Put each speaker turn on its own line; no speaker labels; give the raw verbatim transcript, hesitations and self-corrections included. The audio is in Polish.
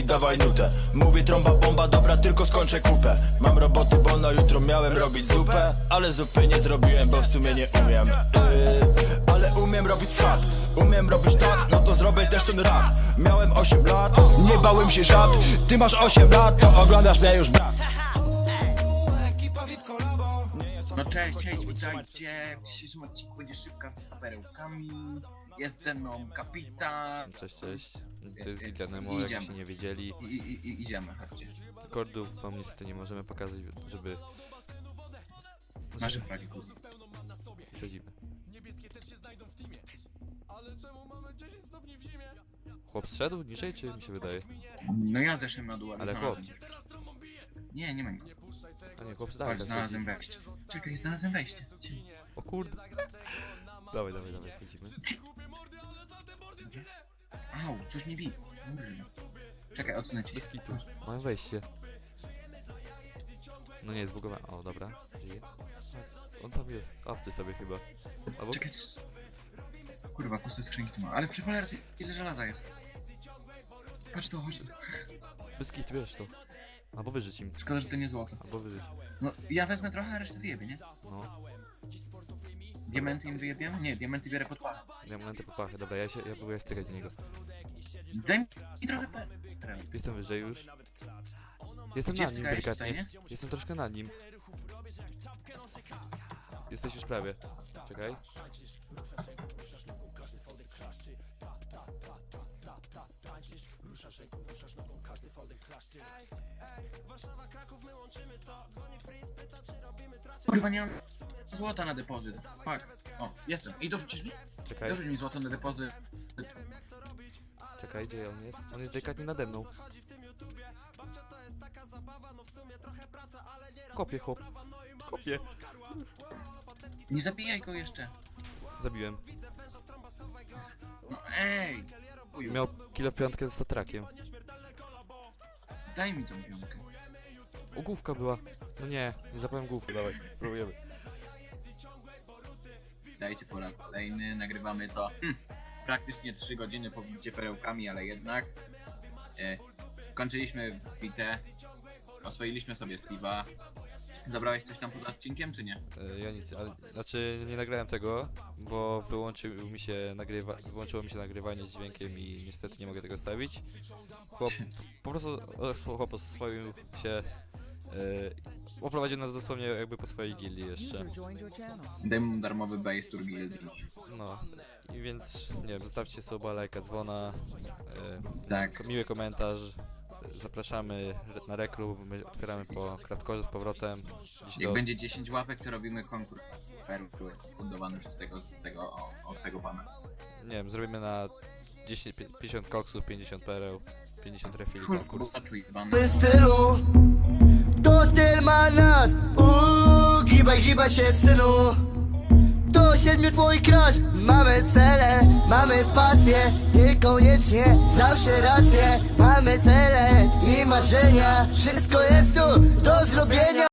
dawaj nutę. Mówię trąba bomba, dobra, tylko skończę kupę. Mam roboty, bo na jutro miałem robić zupę, ale zupy nie zrobiłem, bo w sumie nie umiem. yy, Ale umiem robić swap, umiem robić tak, no to zrobię też ten rap. Miałem osiem lat, nie bałem się żab. Ty masz osiem lat, to oglądasz mnie już, brat.
No cześć, cześć, witajcie. W dzisiejszym odcinku będzie szybka z perełkami. Jest ze mną kapitan.
Cześć, cześć. To jest Giganemo, jakbyście nie wiedzieli.
I, i, i idziemy, chodźcie.
Kordów wam niestety nie możemy pokazać, żeby...
Nasze fragi, kurde.
Sadzimy. Chłop zszedł niżej, czy mi się wydaje?
No ja zeszłem na dół, ale,
Ale chłop.
Nie, nie ma go.
A nie, chłop
Chodź,
zdaleka
znalazłem wejście. Czekaj, znalazłem wejście.
O kurde. Dawaj, dawaj, dawaj, wchodzimy.
Au, coś mi bije. Czekaj, odsunę cię.
Bez kitu. Mam wejście. No nie, zbugowałem. O, dobra. Żyje. On tam jest. Awczy sobie chyba. Albo...
Czekaj. c- Kurwa, puste skrzynki tu ma. Ale przy cholerce ile żelaza jest. Patrz to, chodź.
Bez kitu, wiesz to. Albo wyżyć im.
Szkoda, że to nie złoto.
Albo wyżyć.
No, ja wezmę trochę, a resztę wyjebie, nie?
No.
Diamenty im wyjebiemy? Nie, diamenty biorę pod pachę.
Ja mam te popachy. Dobra, ja się, ja próbuję wtykać do niego.
Daj mi trochę pe...
Jestem wyżej już. Jestem
Gdzie
nad nim
wtykałeś
delikatnie.
tutaj,
Jestem troszkę nad nim. Jesteś już prawie. Czekaj.
Kurwa, nie mam złota na depozyt. Fuck. O, jestem. I dorzucisz mi?
Czekaj.
Dorzuć mi złoto na depozyt.
Czekaj, gdzie on jest? On jest delikatnie nade mną. Kopie, chłop. Kopie.
Nie zabijaj go jeszcze.
Zabiłem.
No ej! Uju,
Miał kilo piątkę ze statrakiem.
daj mi tą piątkę.
O, główka była. No nie, nie zapałem główki. Dawaj, próbujemy.
Dajcie po raz kolejny, nagrywamy to hm, praktycznie trzy godziny po bicie perełkami, ale jednak e, skończyliśmy bitę, oswoiliśmy sobie Steve'a. Zabrałeś coś tam poza odcinkiem, czy nie?
E, ja nic, ale, znaczy nie nagrałem tego, bo wyłączył mi się nagrywa, wyłączyło mi się nagrywanie z dźwiękiem i niestety nie mogę tego stawić. Chłop, po prostu o, chłop oswoił się, e, oprowadził nas dosłownie jakby po swojej gildii jeszcze.
Daj mu darmowy base tour guild.
No, i więc nie wiem, zostawcie suba, lajka, dzwona, e,
Tak.
miły komentarz. Zapraszamy na reklub, my otwieramy po Kraftkorze z powrotem. Dziś
Jak
do...
będzie dziesięć łapek, to robimy konkurs perły fundowany przez tego, z tego, o, od tego pana.
Nie wiem, zrobimy na dziesięć, pięćdziesiąt koksów, pięćdziesiąt pereł, pięćdziesiąt refili
Kurwa,
konkurs.
czuj, pan.
My stylu, to styl ma nas. Uuu, gibaj, gibaj się, synu. To siedmiu twój crush. Mamy cele, mamy pasję. Ty koniecznie, zawsze rację. Mamy cele i marzenia. Wszystko jest tu do zrobienia.